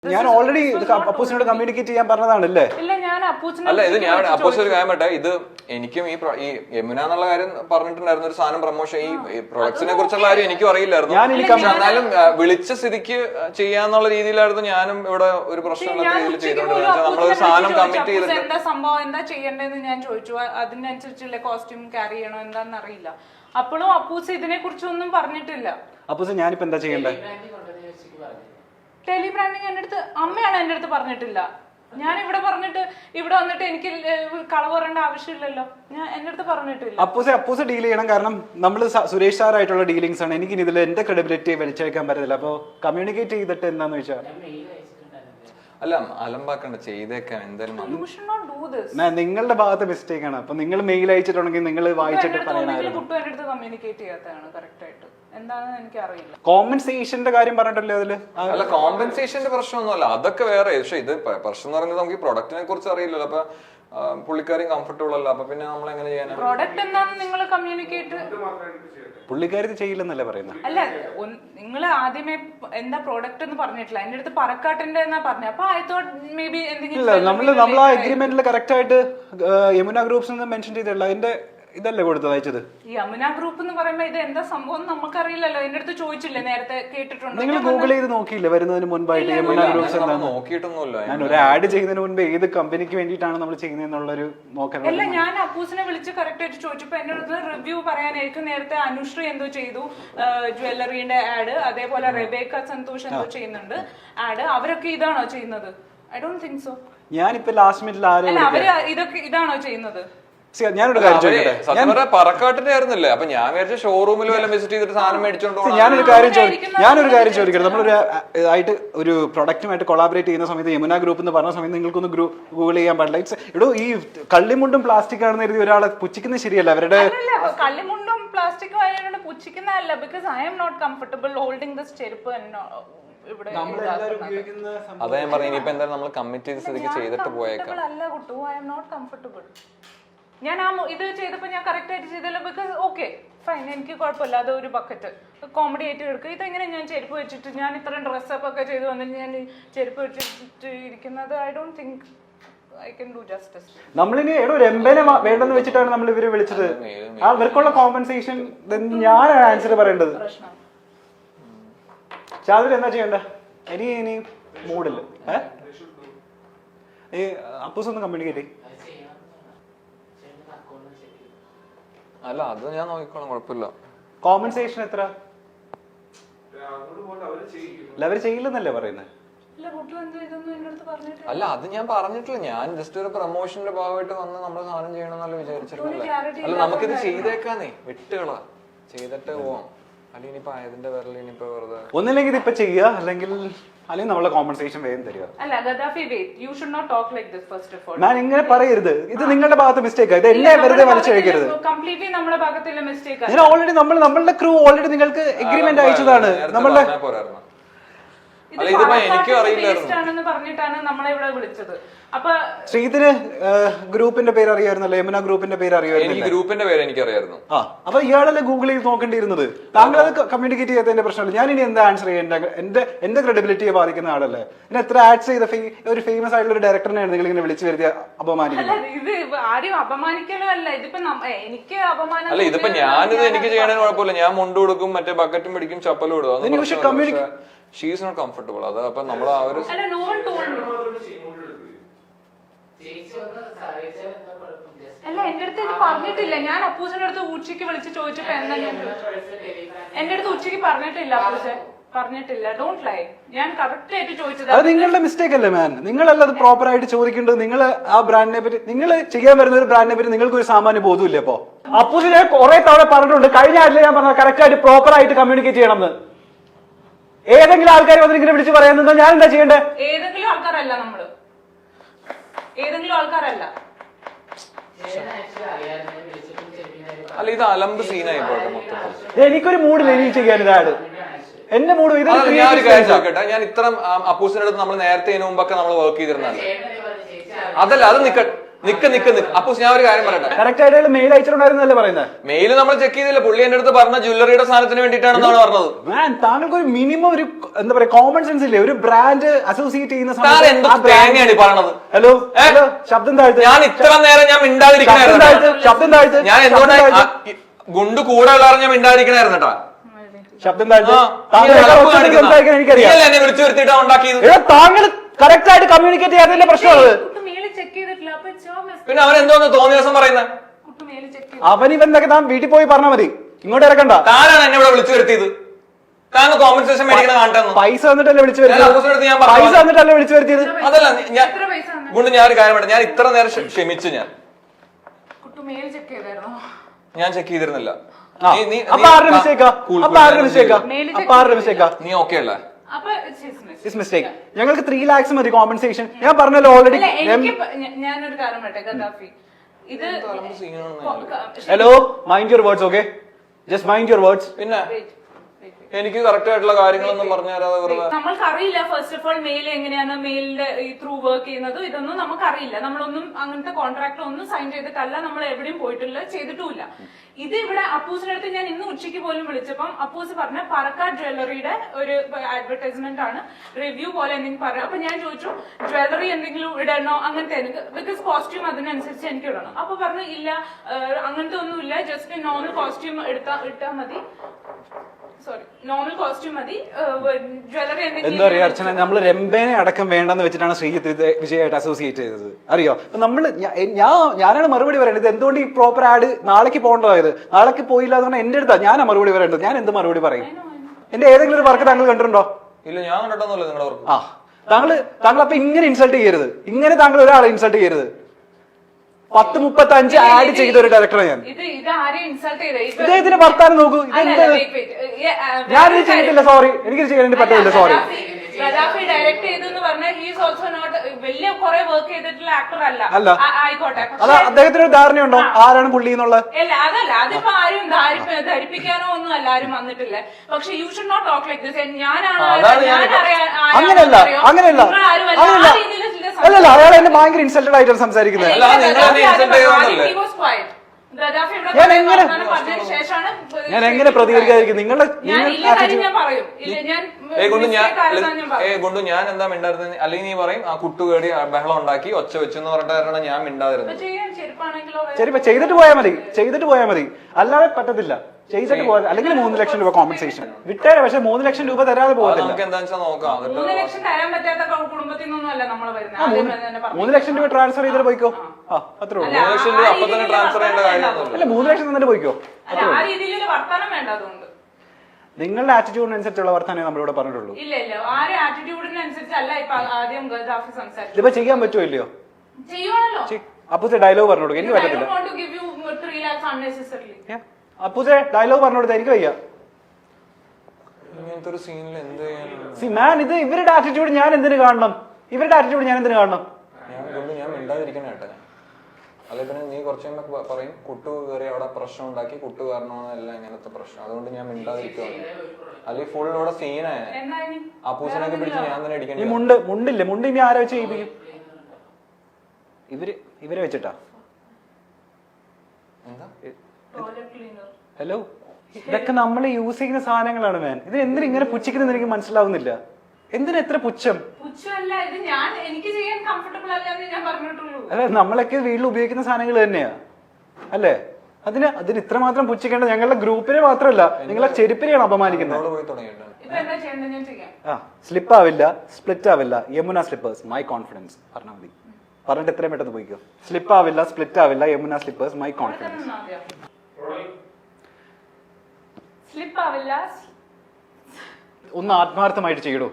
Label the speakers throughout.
Speaker 1: ഞാൻ already അപ്പൂസിനോട് communicate ചെയ്യാൻ പറഞ്ഞതാണല്ലേ?
Speaker 2: അല്ല, ഇത് ഞാൻ അപ്പൂസ് ഒരു കാര്യം പറ്റേ, ഇത് എനിക്കും ഈ യമുന എന്നുള്ള കാര്യം പറഞ്ഞിട്ടുണ്ടായിരുന്നു, ഒരു സാധനം പ്രൊമോഷൻ ഈ പ്രൊഡക്ട്സിനെ കുറിച്ചുള്ള കാര്യം എനിക്കും അറിയില്ലായിരുന്നു. എന്നാലും വിളിച്ച സ്ഥിതിക്ക് ചെയ്യാന്നുള്ള രീതിയിലായിരുന്നു ഞാനും ഇവിടെ ഒരു പ്രശ്നമില്ലാത്ത രീതിയിൽ ചെയ്തോണ്ടിരുന്നത്. നമ്മളൊരു സാധനം കമ്മിറ്റ് ചെയ്തിട്ട്
Speaker 3: എന്താ സംഭവം, എന്താ ചെയ്യേണ്ടതെന്ന് ഞാൻ ചോദിച്ചു. അതിനനുസരിച്ചുള്ള കോസ്റ്റ്യൂം ക്യാരി ചെയ്യണോ എന്താണെന്ന് അറിയില്ല. അപ്പോഴും അപ്പൂസ് ഇതിനെ കുറിച്ചൊന്നും പറഞ്ഞിട്ടില്ല.
Speaker 1: അപ്പൂസ് ഞാനിപ്പോ എന്താ ചെയ്യണ്ടേ?
Speaker 3: ടെലി ബ്രാൻഡിങ് എന്റെ അടുത്ത് അമ്മയാണ് എന്റെ അടുത്ത് പറഞ്ഞിട്ടില്ല. ഞാൻ ഇവിടെ പറഞ്ഞിട്ട് ഇവിടെ വന്നിട്ട് എനിക്ക് കളവ് പറയേണ്ട ആവശ്യമില്ലല്ലോ. ഞാൻ എന്റെ അടുത്ത് പറഞ്ഞിട്ടില്ല.
Speaker 1: അപ്പൂസ് ഡീൽ ചെയ്യണം. കാരണം നമ്മൾ സുരേഷ് സാറായിട്ടുള്ള ഡീലിംഗ്സ് ആണ്. എനിക്ക് ഇതിൽ എന്റെ ക്രെഡിബിലിറ്റി വലിച്ചേക്കാൻ പറ്റത്തില്ല. അപ്പൊ കമ്മ്യൂണിക്കേറ്റ് ചെയ്തിട്ട് എന്താന്ന് വെച്ചാൽ
Speaker 2: അല്ല, അലമ്പാക്കണ്ട, ചെയ്തേക്കാം എന്തായാലും.
Speaker 1: നിങ്ങളുടെ ഭാഗത്ത് മിസ്റ്റേക്ക് ആണ്. അപ്പൊ നിങ്ങൾ മെയിൽ അയച്ചിട്ടുണ്ടെങ്കിൽ നിങ്ങൾ വായിച്ചിട്ട് പറയണമായിരുന്നു.
Speaker 3: കമ്മ്യൂണിക്കേറ്റ് ചെയ്യാത്തതാണ് കറക്റ്റ് ആയിട്ട്. എന്താണെന്ന് എനിക്ക് അറിയില്ല.
Speaker 1: കോമ്പൻസേഷന്റെ കാര്യം പറഞ്ഞിട്ടല്ലേ അതില്?
Speaker 2: അല്ല, കോമ്പൻസേഷന്റെ പ്രശ്നമൊന്നുമല്ല, അതൊക്കെ വേറെ. പക്ഷെ ഇത് പ്രശ്നം എന്ന് പറയുന്നത് നമുക്ക് ഈ പ്രൊഡക്റ്റിനെ കുറിച്ച് അറിയില്ലല്ലോ. അപ്പൊ പുള്ളിക്കാരും കംഫർട്ടബിൾ അല്ല. അപ്പൊ പിന്നെ നമ്മൾ എങ്ങനെ ചെയ്യാനാ?
Speaker 3: പ്രോഡക്റ്റ് എന്താണെന്ന് നിങ്ങൾ കമ്മ്യൂണിക്കേറ്റ്
Speaker 1: പുള്ളിക്കാരി ചെയ്യില്ലെന്നല്ലേ പറയുന്നത്?
Speaker 3: അല്ല, നിങ്ങൾ ആദ്യമേ എന്താ പ്രോഡക്റ്റ് എന്ന് പറഞ്ഞിട്ടില്ല. എന്റെ അടുത്ത് പറക്കാട്ടിന്റെ എന്നാ പറഞ്ഞു. അപ്പൊ ഐ തോട്ട് മേ ബി എന്തെങ്കിലും
Speaker 1: നമ്മൾ ആ എഗ്രിമെന്റിൽ കറക്റ്റ് ആയിട്ട് യമുന ഗ്രൂപ്പ്സ് മെൻഷൻ ചെയ്തിട്ടുള്ള അതിന്റെ ഇതല്ലേ കൊടുത്തത് അയച്ചത്?
Speaker 3: യമുന ഗ്രൂപ്പ് എന്ന് പറയുമ്പോ ഇത് എന്താ സംഭവം നമുക്കറിയില്ലല്ലോ. എന്റെ അടുത്ത് ചോദിച്ചില്ലേ, നേരത്തെ കേട്ടിട്ടുണ്ടോ?
Speaker 1: നിങ്ങൾ ഗൂഗിൾ ചെയ്ത് നോക്കിയില്ലേ വരുന്നതിന് മുൻപായിട്ട് യമുന ഗ്രൂപ്പ്സ് എന്താണെന്ന്?
Speaker 2: നോക്കിയിട്ടൊന്നുമില്ല.
Speaker 1: ഞാൻ ഒരു ആഡ് ചെയ്യുന്നതിന് മുൻപ് ഏത് കമ്പനിക്ക് വേണ്ടിയിട്ടാണ് നമ്മൾ ചെയ്യുന്നതെന്നുള്ളൊരു നോക്കാൻ.
Speaker 3: അല്ല, ഞാൻ അപ്പൂസിനെ വിളിച്ച് കറക്റ്റ് ആയിട്ട് ചോദിച്ചപ്പോ എന്റെ അടുത്ത് റിവ്യൂ പറയാനായിരിക്കും. നേരത്തെ അനുശ്രീ എന്തോ ചെയ്തു ജ്വല്ലറിന്റെ ആഡ്, അതേപോലെ റെബേക്ക സന്തോഷ് എന്തോ ചെയ്യുന്നുണ്ട് ആഡ്. അവരൊക്കെ ഇതാണോ ചെയ്യുന്നത്? I don't think so.
Speaker 1: ഞാനിപ്പോ ലാസ്റ്റ് മിനിറ്റിൽ
Speaker 3: അവര് ഇതൊക്കെ ഇതാണോ ചെയ്യുന്നത്?
Speaker 1: ഞാനൊരു കാര്യം ചോദിക്കട്ടെ.
Speaker 2: പറക്കാട്ടിന്റെ ആയിരുന്നില്ലേ? അപ്പൊ ഞാൻ വിചാരിച്ച ഷോറൂമിൽ വല്ല വിസിറ്റ് ചെയ്തിട്ട് സാധനം മേടിച്ചോണ്ടോ.
Speaker 1: ഞാനൊരു കാര്യം ചോദിക്കട്ടെ. നമ്മളൊരു ആയിട്ട് ഒരു പ്രൊഡക്റ്റുമായിട്ട് കൊളാബറേറ്റ് ചെയ്യുന്ന സമയത്ത് യമുന ഗ്രൂപ്പ് എന്ന് പറഞ്ഞ സമയത്ത് നിങ്ങൾക്കൊന്ന് ഗൂഗിൾ ചെയ്യാൻ പാടില്ല. ഇവിടെ ഈ കള്ളിമുണ്ടും പ്ലാസ്റ്റിക് ആണെന്ന് കരുതി ഒരാളെ പുച്ഛിക്കുന്നത് ശരിയല്ല. അവരുടെ
Speaker 3: കള്ളിമുണ്ടും പ്ലാസ്റ്റിക്കും ആയതുകൊണ്ട് പുച്ഛിക്കുന്നതല്ല. Because I'm not comfortable holding this ചെരുപ്പ്.
Speaker 2: അതാ ഞാൻ പറഞ്ഞു, ഇനിയിപ്പോ എന്തായാലും നമ്മൾ കമ്മിറ്റ് ചെയ്ത് സ്ഥിതിക്ക് ചെയ്തിട്ട് പോയേക്കാം.
Speaker 3: അല്ല കുട്ടു, ഐ എം നോട്ട് കംഫർട്ടബിൾ. ഞാൻ ഇത് ചെയ്തപ്പോ ഞാൻ കറക്റ്റ് ആയിട്ട് ചെയ്തല്ലോ. ബിക്കോസ് ഓക്കെ ഫൈൻ, എനിക്ക് കുഴപ്പമില്ല. അത് ഒരു ബക്കറ്റ് കോമഡി ആയിട്ട് എടുക്കുക. ഇതെങ്ങനെ ഞാൻ ചെരുപ്പ് വെച്ചിട്ട് ഞാൻ ഇത്രയും ഡ്രസ്സപ്പ് ഒക്കെ ചെയ്ത് വന്നിട്ട് ഞാൻ ചെരുപ്പ് വെച്ചിട്ട് ഇരിക്കുന്നത്? I don't think I can do justice.
Speaker 1: നമ്മളിനി ഒരു എംബനെ വേണ്ടെന്ന് വെച്ചിട്ടാണ് നമ്മൾ ഇവരെ വിളിച്ചത്. ആ ഇവർക്കുള്ള കോമ്പൻസേഷൻ ഞാൻ ആൻസർ പറയേണ്ടത്. ചാതിൽ എന്താ ചെയ്യണ്ട? ഇനി മൂഡില്ല. ഈ അപ്പൂസ് ഒന്ന് കമ്മ്യൂണിക്കേറ്റ്.
Speaker 2: അല്ല, അത് ഞാൻ നോക്കിക്കോളാം, കുഴപ്പമില്ല.
Speaker 1: കോമ്പൻസേഷൻ എത്ര? അവര് ചെയ്യില്ലെന്നല്ലേ പറയുന്നത്?
Speaker 2: അല്ല, അത് ഞാൻ പറഞ്ഞിട്ടില്ല. ഞാൻ ജസ്റ്റ് ഒരു പ്രൊമോഷന്റെ ഭാഗമായിട്ട് വന്ന് നമ്മൾ സാധനം ചെയ്യണമെന്നല്ല വിചാരിച്ചിട്ടില്ലേ. അല്ല, നമുക്കിത് ചെയ്തേക്കാന്നേ, വിട്ടുകളാ, ചെയ്തിട്ട് പോവാം. അല്ല, ഇനിയിപ്പോ ആയതിന്റെ പേരിൽ ഇനിയിപ്പോ വെറുതെ
Speaker 1: ഒന്നില്ലെങ്കിൽ ഇതിപ്പോ ചെയ്യുക, അല്ലെങ്കിൽ നമ്മളെ കോമ്പൻസേഷൻ വേഗം തരിക. ഞാൻ ഇങ്ങനെ പറയരുത്. ഇത് നിങ്ങളുടെ ഭാഗത്ത് മിസ്റ്റേക്ക്. ഇത് എന്നെ വെറുതെ വലിച്ചഴിക്കരുത്. ഞാൻ ഓൾറെഡി നമ്മളുടെ ക്രൂ ഓൾറെഡി നിങ്ങൾക്ക് എഗ്രിമെന്റ് അയച്ചതാണ്. നമ്മളുടെ
Speaker 2: എനിക്കും അറിയില്ലായിരുന്നു
Speaker 3: പറഞ്ഞിട്ടാണ് നമ്മളെ ഇവിടെ വിളിച്ചത്. അപ്പൊ
Speaker 1: ശ്രീധന് ഗ്രൂപ്പിന്റെ പേര് അറിയാമായിരുന്നല്ലോ, യമുന ഗ്രൂപ്പിന്റെ പേര് അറിയാമായിരുന്നു.
Speaker 2: ഗ്രൂപ്പിന്റെ പേര് എനിക്കറിയായിരുന്നു.
Speaker 1: അപ്പൊ ഇയാളല്ലേ ഗൂഗിൾ ചെയ്ത് നോക്കേണ്ടിയിരുന്നത്. താങ്കൾ അത് കമ്മ്യൂണിക്കേറ്റ് ചെയ്യാത്തതിന്റെ പ്രശ്നമില്ല. ഞാൻ ഇനി എന്താ ആൻസർ ചെയ്യേണ്ട? എന്റെ ക്രെഡിബിലിറ്റിയെ ബാധിക്കുന്ന ആളല്ലേ. പിന്നെ എത്ര ആഡ്സ് ചെയ്ത ഒരു ഫേമസ് ആയിട്ടുള്ള ഒരു ഡയറക്ടറിനെയാണ് നിങ്ങൾ ഇങ്ങനെ വിളിച്ചു വരുത്തി അപമാനിക്കുന്നത്.
Speaker 3: ഇത് ആരും അപമാനിക്കലോ അല്ല. ഇതിപ്പോ എനിക്ക് അപമാനം
Speaker 2: അല്ല. ഇതിപ്പോ ഞാനിത് എനിക്ക് ചെയ്യണമെന്ന് കുഴപ്പമില്ല. ഞാൻ മുണ്ട് കൊടുക്കും, മറ്റേ ബക്കറ്റും പിടിക്കും, ചപ്പലും ഇടും. She is not comfortable. അത് അപ്പൊ നമ്മൾ ആ ഒരു
Speaker 3: അല്ല, എന്റെ അടുത്ത് ഇത് പറഞ്ഞിട്ടില്ല. ഞാൻ അപ്പൂസിന്റെ അടുത്ത് ഉച്ചയ്ക്ക് വിളിച്ച് ചോദിച്ചപ്പോ എന്താ എന്റെ അടുത്ത് ഉച്ചയ്ക്ക് പറഞ്ഞിട്ടില്ല. അപ്പൂസൻ പറഞ്ഞിട്ടില്ല. Don't lie. ഞാൻ കറക്റ്റ് ആയിട്ട് ചോദിച്ചത്.
Speaker 1: അത് നിങ്ങളുടെ മിസ്റ്റേക്ക് അല്ലേ മാൻ? നിങ്ങളല്ല അത് പ്രോപ്പർ ആയിട്ട് ചോദിക്കേണ്ടത്. നിങ്ങൾ ആ ബ്രാൻഡിനെ പറ്റി, നിങ്ങൾ ചെയ്യാൻ വരുന്ന ഒരു ബ്രാൻഡിനെ പറ്റി നിങ്ങൾക്ക് ഒരു സാമാന്യ ബോധമില്ല. അപ്പൊ അപ്പൂസിനെ കുറെ തവണ പറഞ്ഞിട്ടുണ്ട്. കഴിഞ്ഞ ആഴ്ച ഞാൻ പറഞ്ഞ കറക്റ്റ് ആയിട്ട് പ്രോപ്പർ ആയിട്ട് കമ്മ്യൂണിക്കേറ്റ് ചെയ്യണമെന്ന്. ഏതെങ്കിലും ആൾക്കാർ വന്നിങ്ങനെ വിളിച്ച് പറയുന്നത് ഞാൻ എന്താ ചെയ്യണ്ടേ?
Speaker 3: ഏതെങ്കിലും ആൾക്കാരല്ല. നമ്മള് ഏതെങ്കിലും ആൾക്കാരല്ല.
Speaker 2: അല്ല, ഇത് അലമ്പ് സീനായി പോട്ടെ മൊത്തത്തിൽ.
Speaker 1: എനിക്കൊരു മൂഡില്ല ഇനി ചെയ്യാൻ ഇതാണ് എന്റെ മൂഡ്.
Speaker 2: ഞാൻ ഒരു കാര്യം ചോദിക്കട്ടെ. ഞാൻ ഇത്ര അപ്പൂസിന്റെ അടുത്ത് നമ്മൾ നേരത്തെ ഇതിനു മുമ്പൊക്കെ നമ്മൾ വർക്ക് ചെയ്തിരുന്നല്ലേ? അതല്ല, അത് നിക്ക് അപ്പൊ ഞാൻ ഒരു കാര്യം പറയട്ടെ.
Speaker 1: കറക്റ്റ് ആയിട്ട് മെയിൽ അയച്ചിട്ടുണ്ടായിരുന്നല്ലേ പറയുന്നത്?
Speaker 2: മെയിൽ നമ്മൾ ചെക്ക് ചെയ്തില്ല. പുള്ളി എന്റെ അടുത്ത് പറഞ്ഞ ജ്വല്ലറിയുടെ സാധനത്തിന് വേണ്ടിയിട്ടാണെന്നാണ് പറഞ്ഞത്.
Speaker 1: താങ്കൾക്ക് ഒരു മിനിമം ഒരു എന്താ പറയാ കോമൺ സെൻസ് ഇല്ലേ? ഒരു ബ്രാൻഡ് അസോസിയേറ്റ് ചെയ്യുന്ന
Speaker 2: തേങ്ങയാണ് പറഞ്ഞത്.
Speaker 1: ഹലോ ശബ്ദം താഴ്ത്ത്.
Speaker 2: ഞാൻ ഇത്ര നേരം ഞാൻ മിണ്ടാതിരിക്കണായിരുന്നു.
Speaker 1: ശബ്ദം താഴ്ത്ത്.
Speaker 2: ഞാൻ എന്തുകൊണ്ടാണ് ഗുണ്ട് കൂടെ ഉള്ളവരെ ഞാൻ മിണ്ടാതിരിക്കണായിരുന്നു കേട്ടാ.
Speaker 1: ശബ്ദം താഴ്ത്ത്.
Speaker 2: എനിക്കറിയാം എന്നെ വിളിച്ചു വരുത്തിയിട്ടാ ഉണ്ടാക്കിയത്.
Speaker 1: താങ്കൾ കറക്റ്റ് ആയിട്ട് കമ്മ്യൂണിക്കേറ്റ് ചെയ്യാത്തതിന്റെ പ്രശ്നമാണ്.
Speaker 2: പിന്നെ അവൻ എന്തോന്ന് തോന്നിയ ദിവസം പറയുന്നത്?
Speaker 1: അവനിവന്തൊക്കെ താൻ വീട്ടിൽ പോയി പറഞ്ഞാൽ മതി, ഇങ്ങോട്ട് ഇറക്കണ്ട.
Speaker 2: താനാണ് എന്നെ ഇവിടെ വിളിച്ചു വരുത്തിയത്. താങ്കൾ കോമ്പൻസേഷൻ മേടിക്കണ കാണട്ടെ.
Speaker 1: പൈസ തന്നിട്ടല്ലേ വിളിച്ചു വരുത്തിയത്? പൈസ തന്നിട്ടല്ലേ വിളിച്ചു വരുത്തിയത്?
Speaker 2: അതല്ല ഞാൻ കൊണ്ട് ഞാനൊരു കാര്യം പറയാം. ഞാൻ ഇത്ര നേരം ക്ഷമിച്ചു. ഞാൻ ചെക്ക് ചെയ്തിരുന്നില്ല. നീ ഓക്കെ അല്ലേ?
Speaker 1: ഞങ്ങൾക്ക് 3 lakhs മതി കോമ്പൻസേഷൻ. ഞാൻ പറഞ്ഞല്ലോ ഓൾറെഡി.
Speaker 3: ഞാനൊരു കാര്യം പറയട്ടെ ഗദ്ദാഫി, ഇത്
Speaker 1: hello mind your words. Okay, just mind your words.
Speaker 2: പിന്നെ എനിക്ക് കറക്റ്റ് ആയിട്ടുള്ള കാര്യങ്ങളൊന്നും പറഞ്ഞു തരാതെ വെറുതെ.
Speaker 3: നമ്മൾക്കറിയില്ല ഫസ്റ്റ് ഓഫ് ഓൾ മെയിൽ എങ്ങനെയാണ് മെയിലിന്റെ ത്രൂ വർക്ക് ചെയ്യുന്നത്, ഇതൊന്നും നമുക്കറിയില്ല. നമ്മളൊന്നും അങ്ങനത്തെ കോൺട്രാക്ട് ഒന്നും സൈൻ ചെയ്തിട്ടല്ല, നമ്മൾ എവിടെയും പോയിട്ടില്ല, ചെയ്തിട്ടുമില്ല. ഇത് ഇവിടെ അപ്പൂസിന്റെ അടുത്ത് ഞാൻ ഇന്ന് ഉച്ചയ്ക്ക് പോലും വിളിച്ചപ്പം അപ്പൂസ് പറഞ്ഞ പറക്കാട് ജ്വല്ലറിയുടെ ഒരു അഡ്വർടൈസ്മെന്റ് ആണ്, റിവ്യൂ പോലെ എന്തെങ്കിലും പറയാം. അപ്പൊ ഞാൻ ചോദിച്ചു ജ്വല്ലറി എന്തെങ്കിലും ഇടണോ അങ്ങനത്തെ, എനിക്ക് ബിക്കോസ് കോസ്റ്റ്യൂം അതിനനുസരിച്ച് എനിക്ക് ഇടണം. അപ്പൊ പറഞ്ഞു ഇല്ല അങ്ങനത്തെ ഒന്നുമില്ല, ജസ്റ്റ് നോർമൽ കോസ്റ്റ്യൂം ഇട്ടാൽ മതി. സോറി, നോർമൽ കോസ്റ്റ്യൂം മതി, ജ്വല്ലറി
Speaker 1: എന്താ പറയാ അർച്ചന, നമ്മൾ രംഭേനെ അടക്കം വേണ്ടെന്ന് വെച്ചിട്ടാണ് ശ്രീജിത്ത് വിജയമായിട്ട് അസോസിയേറ്റ് ചെയ്തത്. അറിയോ? നമ്മള് ഞാനാണ് മറുപടി പറയേണ്ടത്. എന്തുകൊണ്ട് ഈ പ്രോപ്പർ ആഡ് നാളേക്ക് പോകേണ്ടതായത്? നാളേക്ക് പോയില്ല എന്ന് പറഞ്ഞാൽ എന്റെ അടുത്താ ഞാനാ മറുപടി പറയേണ്ടത്. ഞാൻ എന്ത് മറുപടി പറയും? എന്റെ ഏതെങ്കിലും ഒരു വർക്ക് താങ്കൾ കണ്ടിട്ടുണ്ടോ?
Speaker 2: ഇല്ല, ഞാൻ കണ്ടിട്ടൊന്നുമില്ല നിങ്ങളുടെ വർക്ക്.
Speaker 1: താങ്കൾ അപ്പൊ ഇങ്ങനെ ഇൻസൾട്ട് ചെയ്യരുത്. ഇങ്ങനെ താങ്കൾ ഒരാളെ ഇൻസൾട്ട് ചെയ്യരുത്. 10:35 ആഡ് ചെയ്ത ഒരു ഡയറക്ടറെ ഞാൻ. ഇദ്ദേഹത്തിന് വർത്താനം നോക്കൂ. ഞാനിത് ചെയ്തിട്ടില്ല, സോറി, എനിക്കിത് ചെയ്യാൻ പറ്റില്ല, സോറി.
Speaker 3: ഗദ്ദാഫി ഡയറക്ട് ചെയ്തെന്ന് പറഞ്ഞാൽ ഹീസ് ഓൾസോ നോട്ട് വലിയ കുറെ വർക്ക് ചെയ്തിട്ടുള്ള ആക്ടർ അല്ല. ആയിക്കോട്ടെ,
Speaker 1: അത് അദ്ദേഹത്തിന് ഒരു ധാരണയുണ്ടോ ആരാണ് പുള്ളി എന്നുള്ളത്?
Speaker 3: അല്ല, അതല്ല, അതിപ്പോ ആരും ധരിപ്പിക്കാനോ ഒന്നും അല്ല, ആരും വന്നിട്ടില്ല. പക്ഷെ you should not talk like this.
Speaker 1: അങ്ങനെയല്ല, അല്ലല്ല, അയാൾ എന്നെ ഭയങ്കര ഇൻസൾട്ടഡ് ആയിട്ടാണ് സംസാരിക്കുന്നത്. ഞാൻ എങ്ങനെ പ്രതികരിക്കാതിരിക്കും? നിങ്ങളുടെ
Speaker 2: ഞാൻ എന്താ മിണ്ടായിരുന്നത്? അല്ലെങ്കിൽ നീ പറയും ആ കുട്ടുകേടി ബഹളം ഉണ്ടാക്കി ഒച്ച വെച്ചെന്ന് പറഞ്ഞിട്ടാണ് ഞാൻ മിണ്ടാതിരുന്നത്.
Speaker 1: ശരി, ചെയ്തിട്ട് പോയാൽ മതി, ചെയ്തിട്ട് പോയാൽ മതി, അല്ലാതെ പറ്റത്തില്ല. ചെയ്തിട്ട് പോയാൽ അല്ലെങ്കിൽ 3 ലക്ഷം രൂപ കോമ്പൻസേഷൻ വിട്ടേരെ. പക്ഷെ 3 ലക്ഷം രൂപ തരാതെ പോകത്തില്ല.
Speaker 2: നമുക്ക് എന്താ വെച്ചാൽ നോക്കാം.
Speaker 3: 3 ലക്ഷം തരാൻ പറ്റാത്ത കുടുംബത്തിൽ നിന്നല്ല നമ്മൾ വരുന്നത്.
Speaker 1: 3 ലക്ഷം രൂപ ട്രാൻസ്ഫർ ചെയ്തിട്ട് പോയിക്കോ. അത്രേ ഉള്ളൂ.
Speaker 2: 3 ലക്ഷം രൂപ അപ്പൊ തന്നെ ട്രാൻസ്ഫർ ചെയ്യേണ്ട കാര്യമൊന്നുമില്ല.
Speaker 1: അല്ല, 3 ലക്ഷം തന്നിട്ട് പോയിക്കോ.
Speaker 3: ആ രീതിയിലുള്ള വർത്തമാനം വേണ്ട. അതുകൊണ്ട്
Speaker 1: നിങ്ങളുടെ ആറ്റിറ്റ്യൂഡിനനുസരിച്ചുള്ള വർത്തമാനമേ നമ്മളിവിടെ പറഞ്ഞിട്ടുള്ളൂ.
Speaker 3: ഇല്ല, ആരെ ആറ്റിറ്റ്യൂഡിനനുസരിച്ചല്ല ഇപ്പൊ ആദ്യം ഗദ്ദാഫി സംസാരിച്ചു.
Speaker 1: ഇതിപ്പോ ചെയ്യാൻ പറ്റുമോ ഇല്ലയോ?
Speaker 3: ചെയ്യുവാണല്ലോ.
Speaker 1: അപ്പൂസെ ഡയലോഗ് പറഞ്ഞു കൊടുക്കും. എനിക്ക് പറ്റത്തില്ല. അപ്പൂസെ ഡയലോഗ് പറഞ്ഞു കൊടുത്താൽ എനിക്ക് വയ്യ.
Speaker 2: ഇങ്ങനത്തെ ഒരു സീനിൽ എന്ത്
Speaker 1: ഇത് ഇവരുടെ ആറ്റിറ്റ്യൂഡ് ഞാൻ എന്തിനു കാണണം? ഇവരുടെ ആറ്റിറ്റ്യൂഡ് ഞാൻ എന്തിനു കാണണം?
Speaker 2: ഞാൻ മിണ്ടാതിരിക്കണ കേട്ടെ. അല്ലെ പിന്നെ നീ കുറച്ച് പറയും കുട്ടു കയറി അവിടെ പ്രശ്നം ഉണ്ടാക്കി, കുട്ടു കാരണമല്ല ഇങ്ങനത്തെ പ്രശ്നം, അതുകൊണ്ട് ഞാൻ മിണ്ടാതിരിക്കുവാണ്. അല്ലെങ്കിൽ ഫുൾ ഇവിടെ സീനായ അപ്പൂസനൊക്കെ പിടിച്ച് ഞാൻ തന്നെ അടിക്കണം.
Speaker 1: മുണ്ടില്ലേ? മുണ്ട് ഇനി ആരെ വെച്ച് ചെയ്യിപ്പിക്കും? ഇവരെ വെച്ചിട്ടാ.
Speaker 2: എന്താ
Speaker 1: ഹലോ, ഇതൊക്കെ നമ്മൾ യൂസ് ചെയ്യുന്ന സാധനങ്ങളാണ് മാൻ. ഇത് എന്തിനാ ഇങ്ങനെ പുച്ഛിക്കുന്നത് എനിക്ക് മനസ്സിലാവുന്നില്ല. എന്തിനാ എത്ര പുച്ഛം? അല്ല, നമ്മളൊക്കെ വീട്ടിൽ ഉപയോഗിക്കുന്ന സാധനങ്ങൾ തന്നെയാ അല്ലേ? അതിന് ഇത്രമാത്രം പുച്ഛിക്കേണ്ട ഞങ്ങളുടെ ഗ്രൂപ്പിനെ മാത്രമല്ല, നിങ്ങളെ ചെരുപ്പിനെയാണ് അപമാനിക്കുന്നത്. സ്ലിപ്പ് ആവില്ല, സ്പ്ലിറ്റ് ആവില്ല, യമുന സ്ലിപ്പേഴ്സ് മൈ കോൺഫിഡൻസ് പറഞ്ഞാൽ മതി. പറഞ്ഞിട്ട് എത്രയും പെട്ടെന്ന് പോയിക്കോ. സ്ലിപ്പ് ആവില്ല, സ്പ്ലിറ്റ് ആവില്ല, യമുന സ്ലിപ്പേഴ്സ് മൈ കോൺഫിഡൻസ്. ഒന്ന് ആത്മാർത്ഥമായിട്ട് ചെയ്യടോ.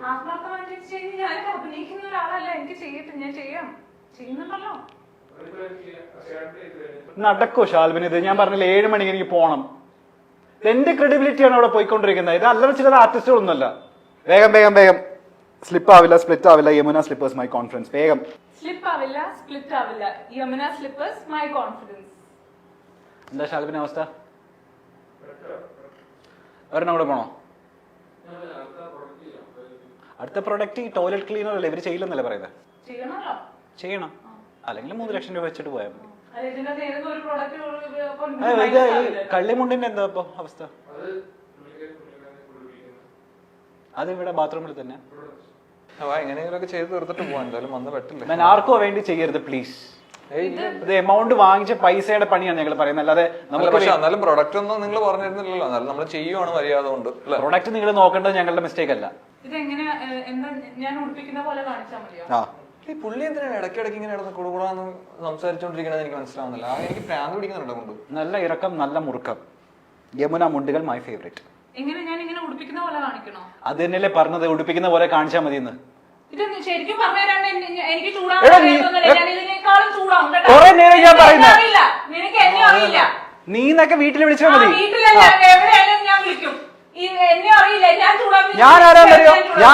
Speaker 1: നടക്കോ ഷാൽബിന്? ഇത് ഞാൻ പറഞ്ഞില്ല, 7 മണിക്ക് എനിക്ക് പോണം. എന്റെ ക്രെഡിബിലിറ്റിയാണ് അവിടെ പോയിക്കൊണ്ടിരിക്കുന്നത്. ഇത് അല്ലറ ചില ആർട്ടിസ്റ്റുകളൊന്നുമല്ല. വേഗം വേഗം വേഗം. സ്ലിപ്പ് ആവില്ല, സ്പ്ലിറ്റ് ആവില്ല, യമുന സ്ലിപ്പേഴ്സ് മൈ കോൺഫിഡൻസ്. വേഗം. എന്താ ഷാൽബിന്റെ അവസ്ഥ? ഒരെണ്ണം കൂടെ പോണോ? അടുത്ത പ്രൊഡക്റ്റ് ഈ ടോയ്ലറ്റ് ക്ലീനർ അല്ലേ? ഇവര് ചെയ്യില്ലെന്നല്ലേ പറയുന്നത്? ചെയ്യണം. അല്ലെങ്കിൽ 3 ലക്ഷം രൂപ വെച്ചിട്ട് പോയാൽ മതി.
Speaker 3: അല്ല, ഇതിനകത്ത് ഏതെങ്കിലും ഒരു product
Speaker 1: ഇത് ഈ കള്ളിമുണ്ടിന്റെ എന്താ ഇപ്പൊ അവസ്ഥ? അത് ഇവിടെ ബാത്റൂമിൽ തന്നെ.
Speaker 2: എങ്ങനെയെങ്കിലുമൊക്കെ ചെയ്ത് തീർത്തിട്ട് പോവാൻ, എന്തായാലും വന്ന് പറ്റില്ല.
Speaker 1: ഞാൻ ആർക്കോ വേണ്ടി ചെയ്യരുത് പ്ലീസ്. ഇത് എമൗണ്ട് വാങ്ങിച്ച പൈസയുടെ പണിയാണ് ഞങ്ങൾ പറയുന്നത്, അല്ലാതെ നമുക്ക്
Speaker 2: പക്ഷെ എന്നാലും പ്രൊഡക്റ്റ് ഒന്നും നിങ്ങൾ പറഞ്ഞിരുന്നില്ലല്ലോ. എന്നാലും നമ്മൾ ചെയ്യുവാണ് മര്യാദ കൊണ്ട്.
Speaker 1: പ്രൊഡക്റ്റ് നിങ്ങൾ നോക്കേണ്ടത് ഞങ്ങളുടെ മിസ്റ്റേക്ക് അല്ല.
Speaker 3: ഇതെങ്ങനെ എന്താ ഞാൻ ഉടുപ്പിക്കുന്ന പോലെ കാണിച്ചാൽ മതിയോ?
Speaker 2: ഈ പുള്ളി എന്തിനാണ് ഇടയ്ക്കിടയ്ക്ക് ഇങ്ങനെ ഇടന്ന് കൊടുകൂടാന്ന് സംസാരിച്ചോണ്ടിരിക്കണത് എനിക്ക് മനസ്സിലാവുന്നില്ല. എനിക്ക് പ്രാന്ത് പിടിക്കുന്നുണ്ടോ കൊണ്ട്.
Speaker 1: നല്ല ഇറക്കം, നല്ല മുറുക്കം. യമുന മുണ്ടുകൾ മൈ ഫേവറേറ്റ്.
Speaker 3: എങ്ങനെ ഞാൻ ഇങ്ങനെ ഉടുപ്പിക്കുന്ന പോലെ കാണിക്കണോ? അത്
Speaker 1: തന്നെയല്ലേ പറഞ്ഞത്, ഉടുപ്പിക്കുന്ന പോലെ കാണിച്ചാൽ മതി എന്ന്.
Speaker 3: ഇത് ശരിക്കും പറഞ്ഞുതരാണ്ട് എനിക്ക് ചൂടാകാളും ചൂടാവും.
Speaker 1: കുറെ നേരം ഞാൻ പറയുന്നത്
Speaker 3: അറിയില്ല, നിനക്ക് എന്നെ അറിയില്ല.
Speaker 1: നീ എന്നൊക്കെ വീട്ടിൽ വിളിച്ചാൽ മതി.
Speaker 3: വീട്ടിലല്ല, എവിടെയായാലും ഞാൻ വിളിക്കും. എന്നെ അറിയില്ല, ഞാൻ ചൂടാകും.
Speaker 1: ഞാൻ ആരാന്നറിയോ?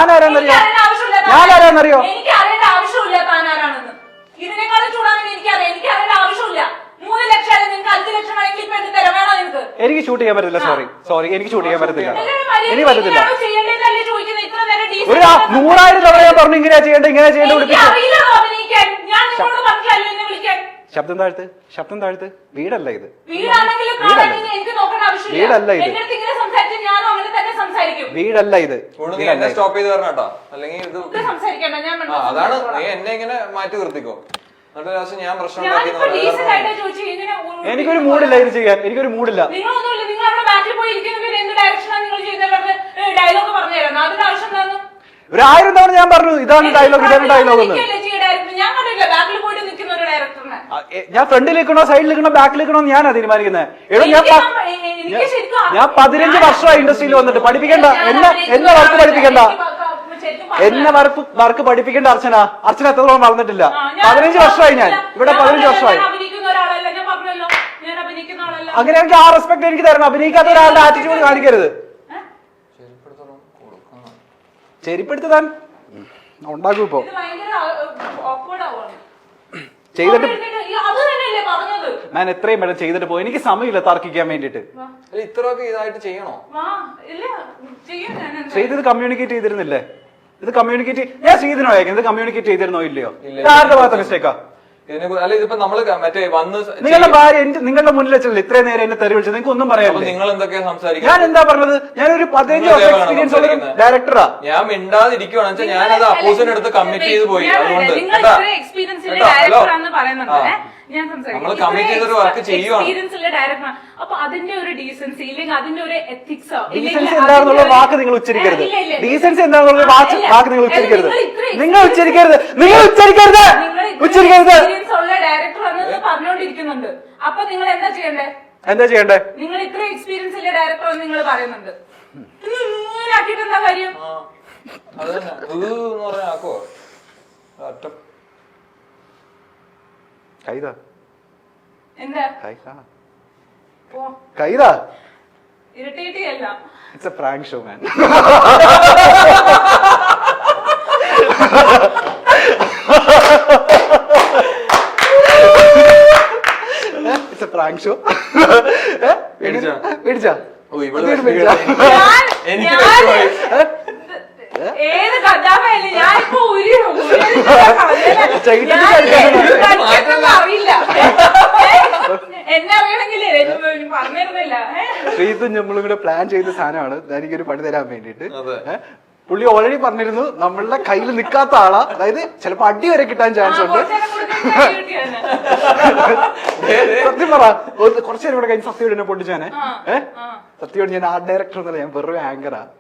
Speaker 3: എനിക്ക് അറിയേണ്ട ആവശ്യമില്ല താൻ ആരാണെന്ന്. ഇതിനേക്കാളും ചൂടാകാൻ എനിക്കറിയാം. എനിക്ക് അറിയേണ്ട ആവശ്യമില്ല. 3 ലക്ഷം നിങ്ങൾക്ക് 5 ലക്ഷം ആണെങ്കിൽ ഇപ്പൊ എന്ത് തരാം? വേണോ നിനക്ക്?
Speaker 1: എനിക്ക് ഷൂട്ട് ചെയ്യാൻ പറ്റില്ല. സോറി എനിക്ക് ഷൂട്ട് ചെയ്യാൻ പറ്റത്തില്ല. എനിക്ക് പറ്റത്തില്ല. ഒരു 100,000 തവണ ഞാൻ പറഞ്ഞു ഇങ്ങനെയാ ചെയ്യേണ്ടത്, ഇങ്ങനെ ചെയ്യേണ്ടത്. ശബ്ദം താഴ്ത്ത്. വീടല്ല ഇത്, വീടല്ല ഇത്, വീടല്ല ഇത്.
Speaker 2: എന്നെ സ്റ്റോപ്പ് ചെയ്ത് തരണം കേട്ടോ, അല്ലെങ്കിൽ ഇത് അതാണ് നീ എന്നെ ഇങ്ങനെ മാറ്റി നിർത്തിക്കോ. എന്നിട്ട് ലാസ്റ്റ് ഞാൻ പ്രശ്നം
Speaker 1: എനിക്കൊരു മൂടില്ല ഇത് ചെയ്യാൻ. എനിക്കൊരു മൂടില്ല. ഒരു 1000 തവണ ഞാൻ പറഞ്ഞു ഇതാണ് ഡയലോഗ്, ഇതാണ് ഡയലോഗ് എന്ന്. ഞാൻ ഫ്രണ്ടിൽ നിൽക്കണോ സൈഡിൽ നിൽക്കണോ ബാക്കിൽ നിൽക്കണോ ഞാനാ തീരുമാനിക്കുന്നത്. എടോ ഞാൻ 15 വർഷമായി ഇൻഡസ്ട്രിയിൽ വന്നിട്ട്. പഠിപ്പിക്കണ്ട എന്നെ വർക്ക് പഠിപ്പിക്കണ്ട, എന്നെ വർക്ക് പഠിപ്പിക്കേണ്ട അർച്ചന എത്രത്തോളം വളർന്നിട്ടില്ല. 15 വർഷമായി ഞാൻ ഇവിടെ, 15 വർഷമായി. അങ്ങനെയാണെങ്കിൽ ആ റെസ്പെക്ട് എനിക്ക് തരണം. അഭിനയിക്കാത്ത ഒരാളുടെ ആറ്റിറ്റ്യൂഡ് കാണിക്കരുത്. ചെരിപ്പെടുത്ത് താൻ ഉണ്ടാക്കും. ഇപ്പൊ ചെയ്തിട്ട് ഞാൻ എത്രയും വേണം ചെയ്തിട്ട് പോയി. എനിക്ക് സമയമില്ല തർക്കിക്കാൻ വേണ്ടിട്ട്.
Speaker 2: ഇത്രയൊക്കെ ഇതായിട്ട് ചെയ്യണോ?
Speaker 1: ചെയ്തത് കമ്മ്യൂണിക്കേറ്റ് ചെയ്തിരുന്നില്ലേ? ഇത് കമ്മ്യൂണിക്കേറ്റ് ഞാൻ ചെയ്തിരുന്നോ? ഇത് കമ്മ്യൂണിക്കേറ്റ് ചെയ്തിരുന്നോ ഇല്ലയോ? ആരുടെ ഭാഗത്ത് മിസ്റ്റേക്കാ?
Speaker 2: അല്ല ഇതിപ്പോ നമ്മള് മറ്റേ വന്ന്
Speaker 1: നിങ്ങളുടെ ഭാര്യ നിങ്ങളുടെ മുന്നിൽ വെച്ചല്ലേ ഇത്രയും നേരം എന്നെ തെറി വിളിച്ചത്? നിങ്ങൾക്ക് ഒന്നും പറയാം.
Speaker 2: നിങ്ങൾ എന്തൊക്കെയാ സംസാരിക്കുക?
Speaker 1: ഞാൻ എന്താ പറഞ്ഞത്? ഞാനൊരു 15 വർഷം എക്സ്പീരിയൻസ് ഉള്ള ഡയറക്ടറാ.
Speaker 2: ഞാൻ മിണ്ടാതിരിക്കുവാണെന്ന് വെച്ചാൽ ഞാനത് അപ്പൂസിന്റെ അടുത്ത് കമ്മിറ്റ് ചെയ്ത് പോയി. അതുകൊണ്ട് നമ്മള് കമ്മിറ്റ് ചെയ്തൊരു വർക്ക് ചെയ്യുവാണ്.
Speaker 3: അപ്പൊ അതിന്റെ ഒരു ഡീസൻസി ഇല്ലെങ്കിൽ അതിന്റെ ഒരു എത്തിക്സോ,
Speaker 1: ഡീസൻസി എന്താണെന്നുള്ള വാക്ക് നിങ്ങൾ ഉച്ചരിക്കരുത്. ഡീസൻസി എന്താണെന്നുള്ള വാക്ക് നിങ്ങൾ ഉച്ചരിക്കരുത്. നിങ്ങൾ ഉച്ചരിക്കരുത്.
Speaker 3: ഡയറക്ടർ പറഞ്ഞുകൊണ്ടിരിക്കുന്നുണ്ട്. അപ്പൊ നിങ്ങൾ എന്താ ചെയ്യണ്ടേ? നിങ്ങൾ ഇത്ര എക്സ്പീരിയൻസ് ഉള്ള ഡയറക്ടർ എന്ന് നിങ്ങൾ പറയുന്നുണ്ട്. ആക്കിയിട്ട് എന്താ കാര്യം?
Speaker 2: അത് തന്നെ പറഞ്ഞാക്കോ
Speaker 3: എന്താ ഇറിറ്റേറ്റ് ചെയ്യല്ല.
Speaker 1: It's a prank show man. It's a prank show. പേടിച്ചാ?
Speaker 3: ഏത് കഥാപാത്രമല്ലേ ഞാനിപ്പോ അറിയില്ല. എന്നെ അറിയണമെങ്കിലേ പറഞ്ഞിരുന്നില്ല.
Speaker 1: ശ്രീതും നമ്മളും കൂടെ പ്ലാൻ ചെയ്ത സാധനമാണ് എനിക്കൊരു പണി തരാൻ വേണ്ടിട്ട്. പുള്ളി ഓൾറെഡി പറഞ്ഞിരുന്നു നമ്മളുടെ കയ്യിൽ നിൽക്കാത്ത ആളാ, അതായത് ചിലപ്പോ അടി വരെ കിട്ടാൻ ചാൻസ് ഉണ്ട്. സത്യം പറ, കുറച്ചു നേരം ഇവിടെ കഴിഞ്ഞ് സത്യയോട് എന്നെ പൊട്ടിച്ചാനെ. സത്യയോട് ഞാൻ ആർട്ട് ഡയറക്ടർ എന്നല്ല, ഞാൻ വെറും ആങ്കറാ.